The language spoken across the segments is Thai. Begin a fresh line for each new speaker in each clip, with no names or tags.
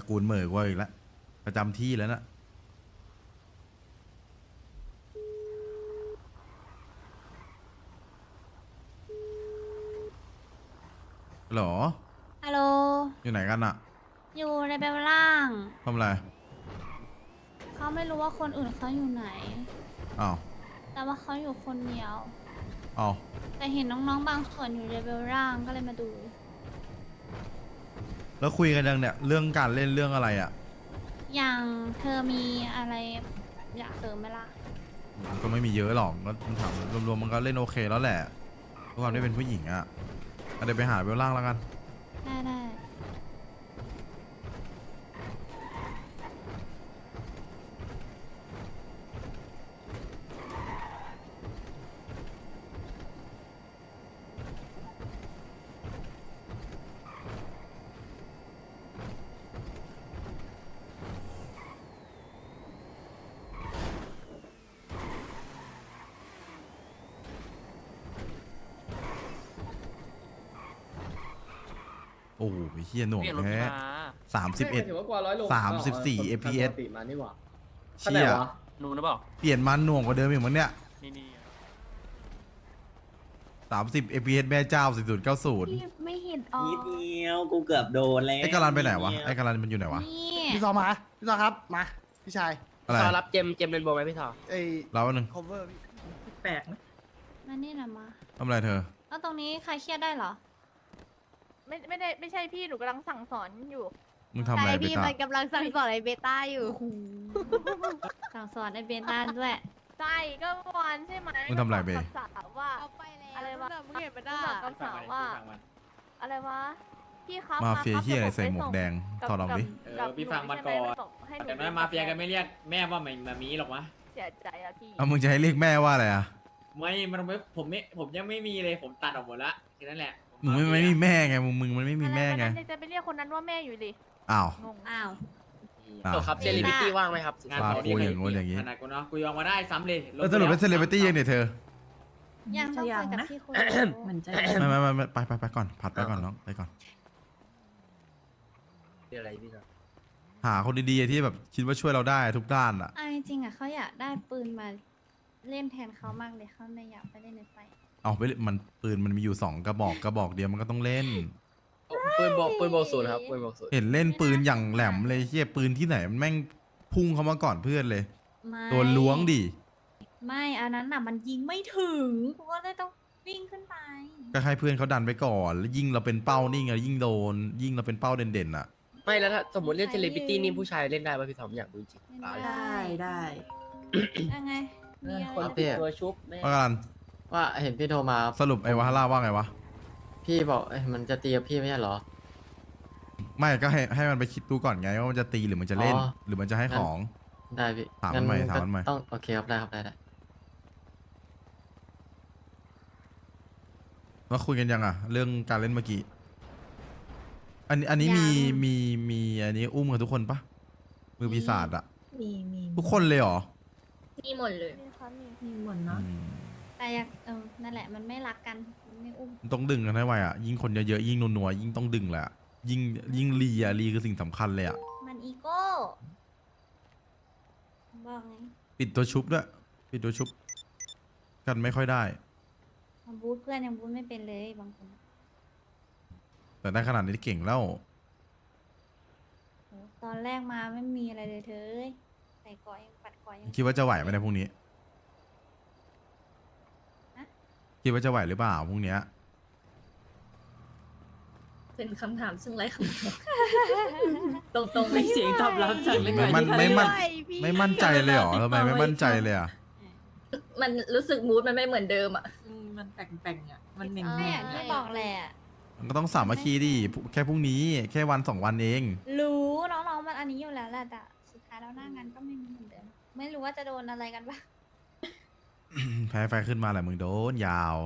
กูลเหมอกว่าอีกแล้วประจำที่แล้วนะหรอ
ฮัลโหล
อยู่ไหนกันอะ
อยู่ในเบลล่าง
ทำอะไร
เขาไม่รู้ว่าคนอื่นเขาอยู่ไหน
อ้าว
แต่ว่าเขาอยู่คนเดียว
อ้าว
แต่เห็นน้องๆบางส่วนอยู่ในเบลล่างก็เลยมาดู
แล้วคุยกันยังเนี่ยเรื่องการเล่นเรื่องอะไรอะ
อย่างเธอมีอะไรอยากเสริมไหมล่ะ
มันก็ไม่มีเยอะหรอกก็ถามรวมๆมันก็เล่นโอเคแล้วแหละทุกความที่เป็นผู้หญิงอะเดี๋ยวไปหาเบลล่างแล้วกัน
ได้ได้
โอ้โหเฮียหน่วง
เปลี่ยนรถ
แท้
มา
31
ถือว่ากว่าร้อยโล
34 FPS
ปกติมานี่หว่า
เชี่ย
นูนะบอก
เปลี่ยนมันหน่วงกว่าเดิมอีกมั้งเนี่ย
นี่
30 FPS แม่เจ้า4090
ไม่เห็นอ๋อ
นิดเดียวกูเกือบโดนแล้ว
ไอ้กาลันไปไหนวะไอ้กาลันมันอยู่ไหนวะ
นี่
พี่ซอมาพี่ซอครับมาพี่ชาย
อะไร
ทอรับเจมเรนโบว์ไหมพี่ทอ
ไอ้
เราอันหนึ่ง
cover พี่
แปลกนะ
มานี่นะมา
ทำอะไรเธอ
แล้วตรงนี้ใครเครียดได้เหรอ
ไม่ใช่พี่หนูกำลังสั่งสอนอยู่
มึงทำอะไร
ใช่
ไป
พี่
ตา
มันกำลังสั่งสอนไอเบต้าอยู่
สั่งสอนในเบต้าด้วย
ใช่ก็เมื่อวานใช่ไหม
มึงทำอะไรเบ
กับสาวว่า
เอาไปแล้ว
อะไรวะ
มึงเห็นปะ
หนู
น่ะ
บอกกับสาวว่า อะไรวะพี่ครับ
มาเฟีย
ครับ
เฮียอะไร
ดี๋ว
ใส่หมวกแดง
กับ
ถอดออกดิ
กับ
พี่ฟัง
ห
มาก่อน
ใช่ไหบอกให้หนู
แต่แม่มาเฟียกันไม่เรียกแม่ว่ามามีหรอกวะ
เสียใจอะพี่
เอามึงจะให้เรียกแม่ว่าอะไรอะ
ไม่มันไม่ผมยังไม่มีเลยผมตัดออกหมดละแค่นั้นแหละ
มึงไม่มีแม่ไงมึงมันไม่มีแม่ไง
อะไรวะจะไปเรียกคนนั้นว่าแม่อยู่ดิ
อ้าว
งง
อ้าว
อ้าว
ตัวครับเซเลบริตี้ว่างไหมครับ
งาน
ปา
เขา
กูอย่างงู้นอย่างงี้
ขนาดกูเนาะกูยอมมาได้ซ้ำเลย
แล้วสรุปเป็นเซเลบริตี้ยังเนี่ยเธอ
ยังต้องคุยกับพี่คุย
มันจะ
ไม่ไปก่อนผัดไปก่อนน้องไปก่อน
เดี๋ยวอะไรพี่ทอ
หาคนดีๆที่แบบคิดว่าช่วยเราได้ทุกด้านอะ
จริงๆอ่ะเขาอยากได้ปืนมาเล่นแทนเขามากเลยเขาไม่อยากไปเล่นในไฟ
เอาไปเลยมันปืนมันมีอยู่2 กระบอกเดียวมันก็ต้องเล่น
ปืนบอกศูนย์ครับปืนบอกศูนย์
เห็นเล่นปืนอย่างแหลมเลยเฮียปืนที่ไหนมันแม่งพุ่งเข้ามาก่อนเพื่อนเลย
ไม่
โดนล้วงดิ
ไม่อันนั้นน่ะมันยิงไม่ถึงกูก็เลยต้องวิ่งขึ้นไป
ก็ให้เพื่อนเขาดันไปก่อนแล้วยิ่งเราเป็นเป้านี่ไงยิ่งโดน ยิ่งเราเป็นเป้าเด่นๆอ่ะ
ไม่แล้วถ้าสมมติเล่นเซเลบริตี้นี่ผู้ชายเล่นได้ป่ะพี่ทอมอยากรู้จริง
ได้
ยังไงมีอะไร
คนติดตัวชุบแม่
ว่ากัน
ว่าเห็นพี่โทรมา
สรุปไอ้วาฮาร่าว่าไงวะ
พี่บอกมันจะตีกับพี่ไม่ใช่เหรอ
ไม่ก็ให้มันไปคิดดูก่อนไงว่ามันจะตีหรือมันจะเล่น
อ๋อ
หรือมันจะให้ของ
ได้พี่
ถามมันใหม่
งั้
ถามมันใหม่
ก็ต้องโอเคครับได้ครับได้
แล้วคุยกันยังอ่ะ เรื่องการเล่นเมื่อกี้อันนี้มีอันนี้อุ้มกันทุกคนปะมือปีศาจอ่ะ
มี
ทุกคนเลยเหรอ
มีหมดเลย
นี่ครับนี่
มีหมดเนาะ
อืม
แต่อยากนั่นแหละมันไม่รักกันมันไม่อุ้ม
มันต้องดึงกันให้ไวอ่ะยิ่งคนเยอะๆยิ่งนัวๆยิ่งต้องดึงแหลยอะยิ่งรีคือสิ่งสำคัญเลยอ่ะ
มันอีโก้บอกไง
ปิดตัวชุบด้วยปิดตัวชุบ กันไม่ค่อยได้
มันบูทเพื่อนยังบูทไม่เป็นเลยบางคน
แต่ได้ขนาดนี้เก่งแล้ว
โหตอนแรกมาไม่มีอะไรเลยเธอเอ้ยใส่ก่อยังปัดก่อยัง
คิดว่าจะไหวไหมในพรุ่งนี้
ฮะ
คิดว่าจะไหวหรือเปล่าพรุ่งเนี้ย
เป็นคำถามซึ่งไร้คำตอบ ตรงๆไม่เสียงตอบรับจาก
ไม่มั่นใจเลยเหรอทำไมไม่มั่นใจเลยอ่ะ
มันรู้สึกมูดมันไม่เหมือนเดิมอ่ะ
มันแป่งๆอ่ะ มันเหม่ง
ก็อย่างที่บอกแหละ
มันก็ต้องสามัคคีดิแค่พรุ่งนี้แค่วัน2 วันเอง
รู้น้องๆมันอันนี้อยู่แล้วแหละแต่สุดท้ายแล้วหน้างานก็ไม่มีเหมือนเดิมไม่รู้ว่าจะโดนอะไรกันบ้าง
แพ้ไฟขึ้นมาแหละมึงโดนยาว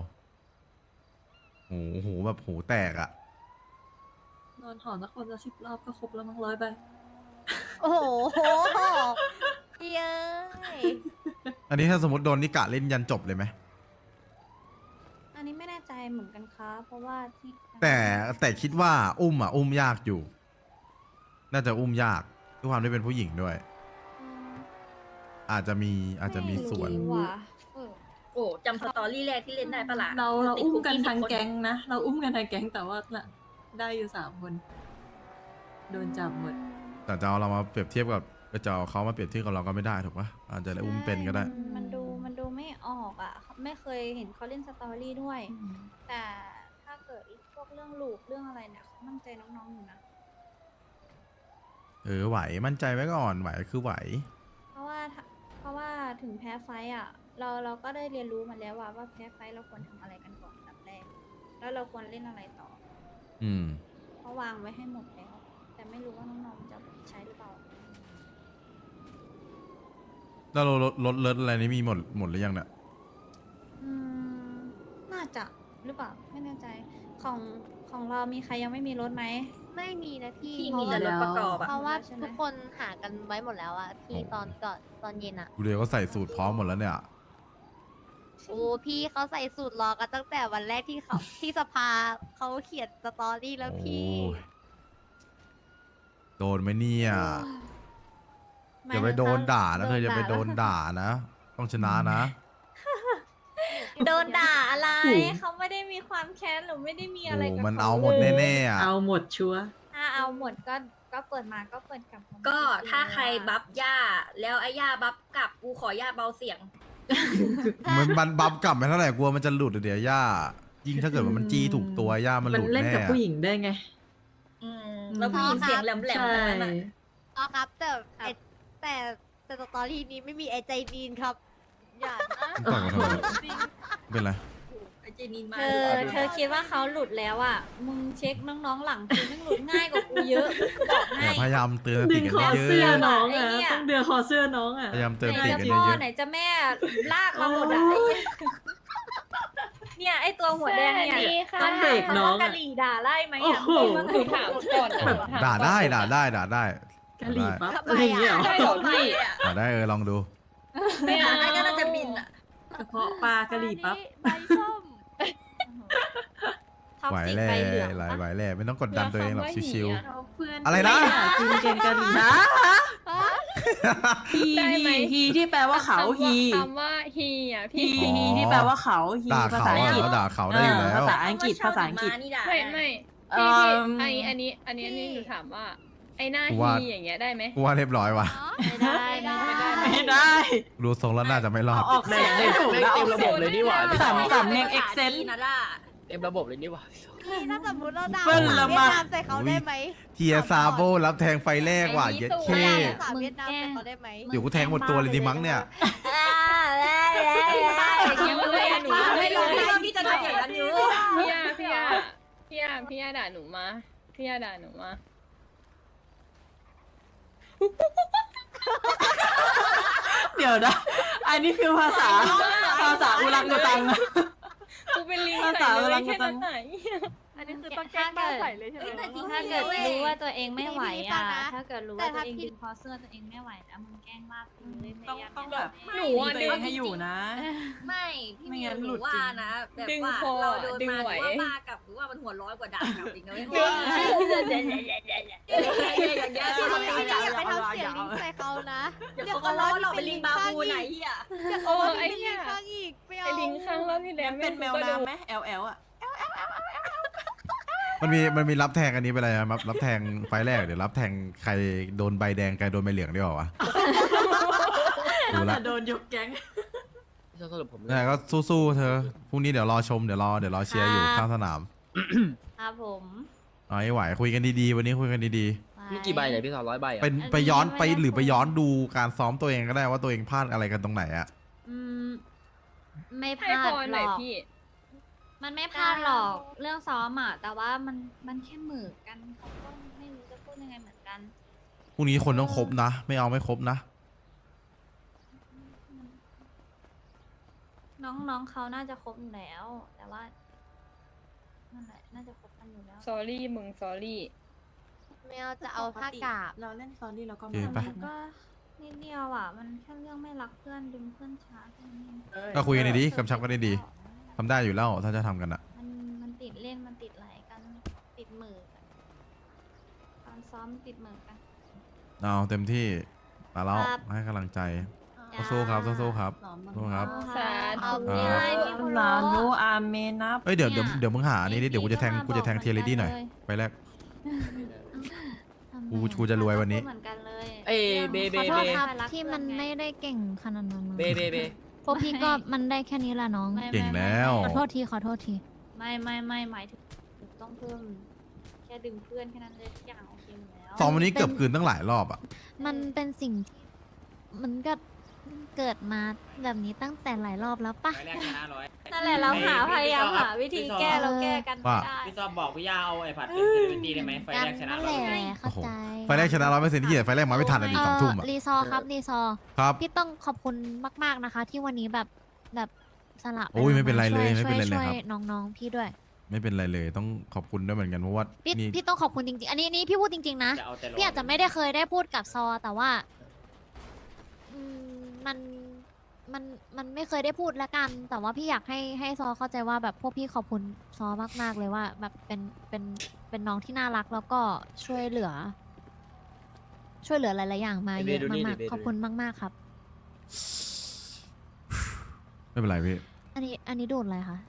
โหแบบหูแตกอ่ะ
นอนหอสักคนละ10 รอบก็ครบแล้วมั้ง100 ใบ
โอ้โหเย้ย
อันนี้ถ้าสมมติโดนนิกะเล่นยันจบเลยไหม
อันนี้ไม่แน่ใจเหมือนกันครับเพราะว่าที่
แต่คิดว่าอุ้มยากอยู่น่าจะอุ้มยากด้วยความที่เป็นผู้หญิงด้วย
อืม
อาจจะมีส่วน
ไม่รู้ว่ะ
โอ้จำสตอรี่แรกที่เล่นได้ปะล่ะ
เรา
ติด
อุ้ม
คุ
กัน
20
ทาง
คน
แก๊งนะ เราอุ้มกันทางแก๊งแต่ว่าน่ะได้อยู่3 คน โดนจับหมด
แต่จะเอาเรามาเปรียบเทียบกับจะเอาเขามาเปรียบเทียบกับเราก็ไม่ได้ถูกปะอาจจะได้อุ้มเป็นก็ได้
ใช่มันดูไม่ออกอ่ะ ไม่เคยเห็นเขาเล่นสตอรี่ด้วย แต่ถ้าเกิดพวกเรื่องลูกเรื่องอะไรเนี่ยเขามั่นใจน้องๆอยู่นะ
ไหวมั่นใจไว้ก่อนไหวคือไหว
เพราะว่าถึงแพ้ไฟต์อ่ะ เราก็ได้เรียนรู้มาแล้วว่าแพ้ไฟต์เราควรทำอะไรกันก่อนอันดับแรก แล้วเราควรเล่นอะไรต่อ
อืม
เพราะวางไว้ให้หมดแล้ว แต่ไม่รู้ว่าน้องๆจะเอาไปใช้หรือเปล่า
แล้วเราลดเลิศอะไรนี่มีหมดหรือยังเนี่ย
อืมน่าจะหรือเปล่าไม่แน่ใจของเรามีใครยังไม่มีรถไหม
ไม่มีนะพี่
ที่
เพ
มี
ราะ
แต่
ว่าร
ถประกอบอะ
เพราะว่า
ใช่ไหม
ทุกคนหากันไว้หมดแล้วอะพี่
โอ้
ตอนเย็นอะ
กูเดียวก็ใส่สูตรพร้อมหมดแล้วเนี่ย
โอ้พี่เขาใส่สูตรรอกันตั้งแต่วันแรกที่เขา ที่สภาเขาเขียนสตอรี่แล้วพี่
โอ้ยโดนไหมเนี่ย
หม
อย่าไปโดนด่านะเธออย่าไปโดน
แล้ว
ด่านะ ต้องชนะนะ
โดนด่าอะไร เขาไม่ได้มีความแค้นหรือไม่ได้มีอะไร
โอ้
กับ
มัน
ข
เอาหมด
ลย
แน่ๆอ่ะ
เอาหมดชัวร์
ถ้าเอาหมดก็เปิดมาก็เปิดกลับมา
ก็
ไม่
ถ้า
จงๆ
ใครบัฟย่า แล้วไอ้ย่าบัฟกลับกูขอย่าเบาเสียง
มันบัฟกลับไปเท่าไหร่กลัวมันจะหลุดเดี๋ยวย่า ยิ่งถ้าเกิดว่ามันจี้ถูกตัวย่ามันห
มัน
ลุด
เล่น
แน่
กับผู้หญิงได้ไง
แล้วผู้หญิงเสียงแหลมๆ
ใช่
ทั้งนั้นอะ
อ๋อครับแต่สตอรี่นี้ไม่มีไอใจดีนครับ อย่านะ
ต่อยกันทำไม
จริง
เป็นไร
ไอ้เจนินมา
เธอคิดว่าเขาหลุดแล้วอ่ะ มึงเช็คน้องๆหลังคือมึงหลุดง่ายกว่ากูเยอะกูบอกให้
พยายามเตือนส
ดึ
ติ
ง
กัน
คอ
เย
เสื้อ
อะ
น้อง
ไอ้
อ่ะ
เหี้ย
ต้องเดือคอเสื้อน้องอ่ะ
ๆพยายามเตือน
ไห
ส
น
ติ
จะ
กัน
พ่อ
เยอะ
ไหนจะแม่ลากมาหมดอ่ะไอ้เหี้ยเนี่ยไอ้ตัวหัวแดงเนี่ย
ต้องเบรกน้อง
กะ
อ่ะ
หรี่ด่าไล่ไหม
โอ้
อ่ะ
โห
มันคือถามก่อน
ๆด่าได้
กะหรี่ปั๊บอะไรอย่างเงี้ยเหรอ
ใช่เหรอพี่
ด่าได้ลองดู
ไม่งั้นไอ้ก็น่าจะบินอ่ะ
กระเพาะปลากะหรี่ปั๊บ
ใบส้ม
ท็อป
ไหว
สิก
แล่
ไฟเหลือง
ไหว
ปะ
แล่ไม่ต้องกดดันตัวเองหรอกชิว
เอาเพื่อน
อะไรนะ
กินเกนกะหรี่นะฮีฮีที่แปลว่าเขาฮี
คำว่าฮีอ่ะ
ฮี
พี่
ฮีที่แปลว่าเขาฮี
ๆด่า
ภา
เขา
ษาอัง
อ่ะ
กฤษ
เราด่าเขาได้อยู่แล้ว
ภาษาอังกฤษภาษาอังกฤษ
นี่ด่า
ไม่ไม่
เอิ่
พี่
ม
อันนี้หนูถามว่า ไอ้หน้า
กู
ฮี
ว่า
อย่างเงี้ยได้ไหม
กูว่าเรียบร้อยว่ะ
ไม่ได้ไม่ได้
ไม่ได้
ดูทรงแล้วน่าจะไม่รอด
เอาออกเสียงไม่ถูกแล้ว
เต็มระบบเลยนี่หว่า
สำเนียงเอ็กเซนต์
นะล่ะ
เต็มระบบเลยนี่หว่า
พี่ถ้าสมมติเราด่า
เฟิ่นละ
เวีย
มา
ดนามใส่เขาได้ไหม
เทียซาโบรับแทงไฟแรกว่ะเย็ดเค
เราด่าภาษาเวียดนามใส่เขาได้ไหม
เดี๋ยวกูแทงหมดตัวเลยดีมั้งเนี่ย
ไม่รู้พี่จะทำอย่างนั้นอยู่
พี่ยาด่าหนูมาพี่ยาด่าหนูมา
เดี๋ยวนะ อันนี้คือภาษาอุรังอุตัง
กูเป็นลิง
ภา
ใส่
ษา
เล
อะไร
ยแค่
กั
นั้น นไหน
อันนี้คือต้องแกล้งบ้าใส่เลยใช่ไหม
ถ้าเกิดรู้ว่าตัวเองไม่ไหว
พี่ฟั
อ่ะ
งนะ
ถ้าเกิดรู้
แต่
ว่าตัว
ถ้า
เอง
พี่
ดึงคอเสื้อตัวเองไม่ไหวนะมึงแกล้งมากไปเลยพ
ต้อง
ยายาม
ต้องแบบ
หนูอ่ะ
ตัวเองให้อยู่นะ
ไม่พี่
ไม่
มิ
งั้
วน ห
หลุ
นู
ด
ว่า
จริง
นะแบบ
ดึง
ว่า
คอ
เราโดน
ดึง
มา
ไหว
หรือว่าบ้ากลับหรือว่ามันหัวร้อยกว่าด่ากลับอีกนะเว้ย
พี่อย่าไปทำเสียงลิงใส่เขานะ
เดี๋ยวเขาก็ล้อเราเป็นลิงบาบูไหนเหี้ย
โอ้ไอ้
ลิ
เหี้ย
งข้างอีกไม่เอา
ไอ้ลิงข้างรอบที่แล้ว
เป็นแมวน้ำไหม LL อ่ะ
มันมีรับแทงอันนี้ไปเลยครับรับแทงไฟแรกเดี๋ยวรับแทงใครโดนใบแดงใครโดนใบเหลืองดีกว่าวะดูละ
โดนยกแก๊ง
พี่ชอบสรุปผมเลย
แต่ก็สู้ๆเธอพรุ่งนี้เดี๋ยวรอชมเดี๋ยวรอเชียร์อยู่ข้างสนาม
ครับผม
เอาให้ไหวคุยกันดีๆวันนี้คุยกันดี
มีกี่ใบเนี่ยพี่สาว100 ใบอ่ะ
ๆไปย้อนไปหรือไปย้อนดูการซ้อมตัวเองก็ได้ว่าตัวเองพลาดอะไรกันตรงไหนอะ
อืมไม่พ
ให้
ลา
พ
ด
ร
ห
ห
ร
น่อย
อก
พี่
มันไม่พลาดหรอกเรื่องซ้อมอ่ะแต่ว่ามันแค่เหมือกันเขาก็ไม่รู้จะพูดยังไงเหมือนกัน
พรุ่งนี้คนต้องครบนะ ไม่เอาไม่ครบนะ
น้องเขาน่าจะครบอยู่แล้ว แต่ว่านั่นแหละน่าจะครบกันอยู่แล้ว
สอรี่มึงสอรี่
ไม่เอาจะเอาผ้ากาบ
เราเล่นซอรี่เราก็
โอเคไป
มันก็นิดเดียวอ่ะ มันแค่เรื่องไม่รักเพื่อนดึงเพื่อนช้าแค่นั้นเอง
ก็คุยกันดีๆกำชับกันดีๆทำได้อยู่แล้วถ้าจะทำกันอะ
มันติดเล่นมันติดไหลกันติดมือกันตอนซ้อมติดเหมือนกัน
เอาเต็มที่มาแล้ว
ครับ
ให้กำลังใจสู้ๆครับสู้ๆครับ
หลอมมัน
สู้ครับ
สา
เอา
ธุ
ไม่ได้พี่คุโร
ลาโนอาเมนับ
เอ้ยเดี๋ยวมึงหานี่ดิเดี๋ยวกูจะแทงเทียร์เลดี้หน่อยไปแรก กูจะรวยวันนี้
เหมือนกันเลย
เอ้ยเบเบ
ขอโท
เบ
ษครับที่มันไม่ได้เก่งขนาดนั้นนะ
เบเบเบ
พวกพี่ก็มันได้แค่นี้แหละน้อง
ไม่
เก่งแล้ว
ขอโทษทีขอโทษที
ไม่หมายถึงต้องเพิ่มแค่ดึงเพื่อนแค่นั้นเลยทุกอย่างโอเคหมดแล้ว
ซ้อมวันนี้เกือบคืนตั้งหลายรอบอ่ะ
มันเป็นสิ่งที่มันก็เกิดมาแบบนี้ตั้งแต่หลายรอบแล้วปะ
ไฟแรกชนะร้อย
นั่นแหละเราหาพยายามหาวิธีแก้เราแก้กันไม่
ว่า
ได้
พี่ซอบบอกพี่ย่าเอาไอ้ผัดเป็นเซเลบริตี้ได้ไหมไฟ
กัน
แรกชนะ
นั่น
ร้
แห
อย
ละเข้าใจ
ไฟแรกชนะ100%ที่ไหนไฟแรกมาไม่ทันอ่ะดิ2 ทุ่มอ่ะ
รีซอร์ครับรีซอร์
ครับ
พี่ต้องขอบคุณมากๆนะคะ ที่วันนี้แบบสละ
โอ้ยไม่เป็นไรเลย
ช่ว
ไม่เป็นไรเลย
ช่ว
ครับ
น้องๆพี่ด้วย
ไม่เป็นไรเลยต้องขอบคุณด้วยเหมือนกันเพราะว่า
พี่
นี่
พี่ต้องขอบคุณจริงๆ อันนี้พี่พูดจริงๆนะ
จะเอาแต่ลง
พี่อาจจะไม่ได้เคยได้พูดกับซอ แต่ว่าอืมมันไม่เคยได้พูดละกัน แต่ว่าพี่อยากให้ซอเข้าใจว่าแบบพวกพี่ขอบคุณซอมากๆเลยว่า แบบเป็นน้องที่น่ารักแล้วก็ช่วยเหลือหลายๆอย่างมาเยอะมากๆขอบคุณมากๆครับ
ไม่เป็นไรพี่
อันนี้โดนอะไรคะ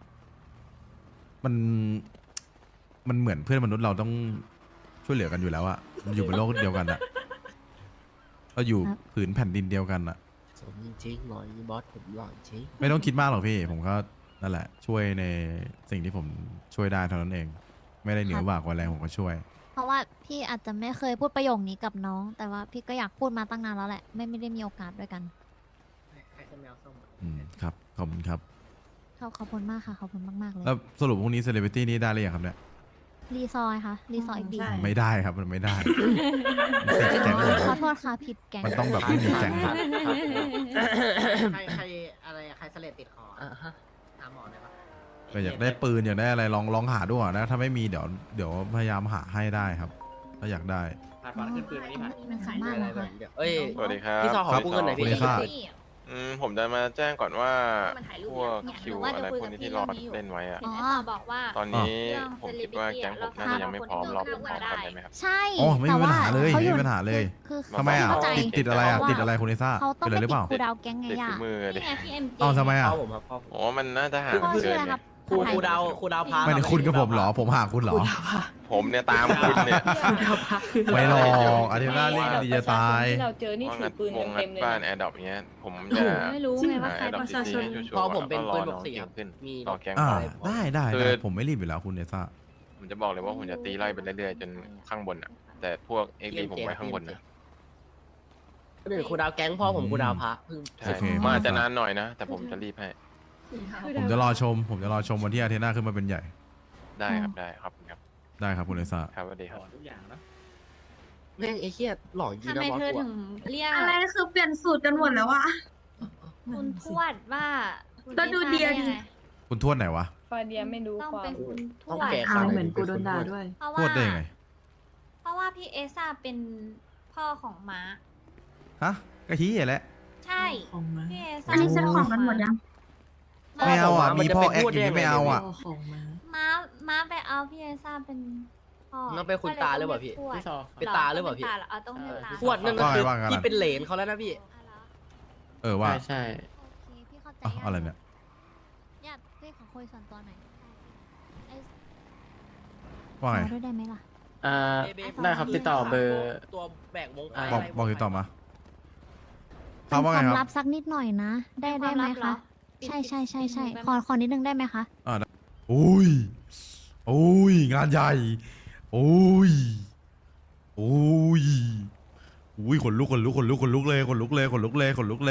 มันเหมือนเพื่อนมนุษย์เราต้องช่วยเหลือกันอยู่แล้วอะมันอยู่บนโลกเดียวกันอะเราอยู่ผืนแผ่นดินเดียวกันอะ
สมจริงๆหล่อยบอสผมหล่อจริง
ไม่ต้องคิดมากหรอกพี่ ผมก็นั่นแหละ ช่วยในสิ่งที่ผมช่วยได้เท่านั้นเอง ไม่ได้เหนือกว่าแรงผมก็ช่วย
เพราะว่าพี่อาจจะไม่เคยพูดประโยคนี้กับน้อง แต่ว่าพี่ก็อยากพูดมาตั้งนานแล้วแหละ ไม่ได้มีโอกาสด้วยกัน
ใครจะแมวส้ม
ครับขอบคุณครับ
ขอบคุณมากค่ะ ขอบคุณมากๆเลย
แล้วสรุปพรุ่งนี้เซเลบริตี้นี่ได้หรือยังครับเนี่ย
รีซอยค่ะ รีซอยอีกดี
ใช่
ไม่ได้ครับมันไม่ได้มันติดแก๊งผม
ขอโทษค่ะผิดแก๊ง
มันต้องแบบไม่มีแก๊งครับ
ใครอะไรใครเสลดติดคอ
อ่าฮะ
หาหมอได้ปะ
ก็อยากได้ปืนอยากได้อะไรลองหาดูก่อนนะ ถ้าไม่มีเดี๋ยวพยายามหาให้ได้ครับ ถ้าอยากได้
ผัดผัดขึ้นปืนวันนี้ผัด
มันสามารถ
อะไร
เหรอ
แบบ
คะ
เดี๋ยวเอ้ย
สวัสดีครับ
พี่ซอขอกู้เงินหน่อย
สวัสดี
พี่
ครับ
ผมจะมาแจ้งก่อนว่า
มันถ่ายรูป
พวก
เนี่ย
คิว
หนูว่า
อะไร
จะคุย
พวก
กับ
นี้
พี่
ที่รอ
เรื่องนี้อยู่
เล่นไว้อะ
เห็นไอ้ต่อบอกว่า
ตอนนี้
เรื่อง
ผมคิดว่าแก๊งผมน่าจะยังไม่พร้อมรอผมก่อนได้ไหมครับ
ใช่
อ๋อไม่มีปัญหาเลย
แต่ว่
ไม่มีปัญหาเลย
คือ
ทำไมอ่ะ
เข้าใจ
ติดอะไรอ่ะ
แต่ว่า
ติดอะไรคุณลิซ่า
เขาต้อง
เป็นอะไรหรือเป
ไปติด
ล่า
ครูดาวแก๊งไง
เด็ก
อ่ะ
ฝีมือดิ
นี่ไงพี่เอ็มจี
เอาทำไมอ่ะ
พ่อผมครับพ่อผม
โอ้มันน่าจะห่าง
พ่อ
เกิ
ชื่อน อะไร
ไง
ครับ
ครูดาวพา
ไม่ได้คุณกับผมเหรอ ผมหาคุณเหรอ
ผมเนี่ยตามคุณเนี่ย
ไม่หรอกอาทิตย์หน้าเล่นกันดีจะตาย
ที่เราเจอนี่
ว่า
ถื
งั
อ
ด
ปืน
วงงั
เต็
ด
มเลย
บ้าน
นะ
แอร์ดรอปเนี้ย ผม
โอ้
จะ
โห
ไม่รู้ไงว่า
แอ
ใคร
ร์ดรอป
ประชาชน
ชัวร์
พอผมเป็น
แล้ว
ปื
ก็
น
ร
บ
อก น้อง
สี่
เก่
ครับ
งขึ้น
มี
รอแก๊ง
อ่า
อะไรพอ
ได้
คือ
ผมไม่รีบอยู่แล้วคุณลิซ่า
ผมจะบอกเลยว่าผมจะตีไล่ไปเรื่อยๆจนข้างบนอ่ะ แต่พวกเอ็กดีผมไว้ข้างบนนะ
หนึ่งครูดาวแก๊งพ่อผมครูดาวพระเพิ่ง
ใช่
โอเค
มันอาจจะนานหน่อยนะ แต่ผมจะรีบให้
ผมจะรอชมวันที่อาทิตย์หน้าขึ้นมาเป็นใหญ่
ได้ครับได้ครับครับ
ได้ครับคุณลิซ่า
ครับสวัสดีค
ถ
รับ
อนทุกอย่างเนาะ
แม่งไอ้เหี้ยหล่อจริง
ทำ
นะ
ไม
บอส
เธอ
กู
ถึ
อะ
งเรียก
อะไรคือเปลี่ยนสูตรกันหมดแล้วอะ
คุณทวดว่าคุณ
ก็ดูดีอะ
ไยังไง
คุณทวดไหนวะ
ฟาเดียไม่รู้
ต้อง
ควา
เป็
ม
นคุณท
ต้อง
วด
แก่
อายเหมือนกูโดนด่าด้วย
เพราะ
ทว
ว่า
ดได้ยังไง
เพราะว่าพี่เอซ่าเป็นพ่อของม้า
ฮะกะทิแหละ
ใช่
ของมา
พี่เอซ่า
อันนี้เซ็ตของกันหมดยัง
ไม่เอาอ่ะ
มัน
มี
จะ
พ่อ
ไป
แอค
พูด
อย่าง
ได้
นี้ไม่
ยังไง
เอาอ่ะ
พ่อของมา
ม้าไปเอาพี่เอซ่าเป็นพ่อ
นั่นเป็นคุณตาหรือเปล่าพี่
ก็ย
พี่ซอ
ต้
เป็นตาหรือเปล่าพี่
เอาต้องเป็นตา
ทวดนั่นก็คือ
ว่าไง
พี่เป็นเหลนเขาแล้วนะพี่
เออว่า
ใช่ใช่
โอเคพี่เข้าใจ
อ่ะอะไรเนี่ย
ญาติพี่ขอคุยส่วนตัวหน่อยไอ้
ว่าไง
ขอด้วยได้ไหมล่ะ
ได้ครับติดต่อเบอร์
ตัวแบกวงไฟ
บอกติดต่อมาค
เป็
รับ
น
ว่า
ค
ไง
วาม
ค
ลั
รับบ
สักนิดหน่อยนะ ได้
เป็น
ได้ไหม
ความลับเหร
คะ
อ
ใช่ใช่ใช่ใช่
ปิด
ขอนิดนึงได้ไหมคะ
อุ้ยอุ้ยงานใหญ่อุ้ยอุ้ยอุ้ยขนลุกเลยขนลุกเลย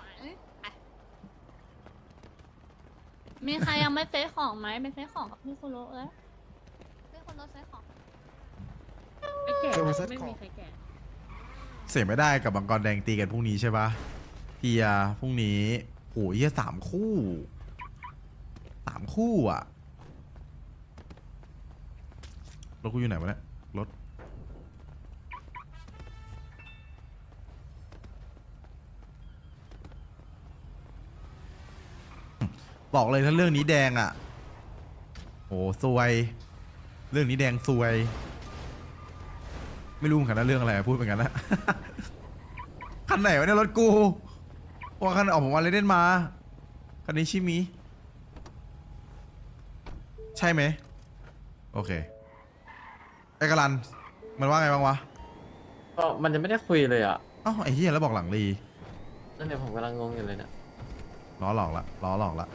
มีใครยังไม่เซ็ตของไหมเป็นเซ็ตของกับพี่คุโรเอ้ยพี่คุโรเซ็ตของ
ไม่แก่ไม่มีใครแก่
เสียไม่ได้กับบังกรแดงตีกันพรุ่งนี้ใช่ปะเทียพรุ่งนี้โอ้ยเหี้ย3 คู่อ่ะรถกูอยู่ไหนวะเนี่ยรถบอกเลยถ้าเรื่องนี้แดงอ่ะโอ้ซวย เรื่องนี้แดงซวยไม่รู้เหมือนกันนะเรื่องอะไรพูดเหมือนกันนะ คันไหนวะเนี่ยรถกูว่าคันออกผมวันเลยเด่นมาคันนี้ชิมิใช่ไหมโอเคไอ้กะลันมันว่าไงบ้างวะ
ก็มันจะไม่ได้คุยเลยอ่ะ
เอ้าไอ้เหี้ยแล้วบอกหลังรี
นั่นเนี่ยผมกำลังงงอยู่เลยเนี่ย
ล้อหลอกละล้อหลอกละ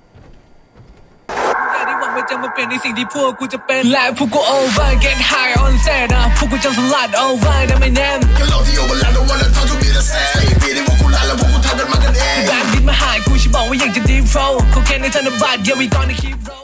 ที่หวังว่าจะมาเปลี่ยนในสิ่งที่พวกกูจะเป็นและพวกกู over get high on set นะพวกกูจะสลัด over นะไม่แน่ก็โลกที่ over แล้ว don't wanna talk to me the same 4 ปีที่พวกกูลาแล้วพวกกูทำกันมากันเองแบงค์ดินมาหายกูฉันบอกว่าอยากจะ deep flow เขาแค่ในธนบัตร yeah we gonna keep roll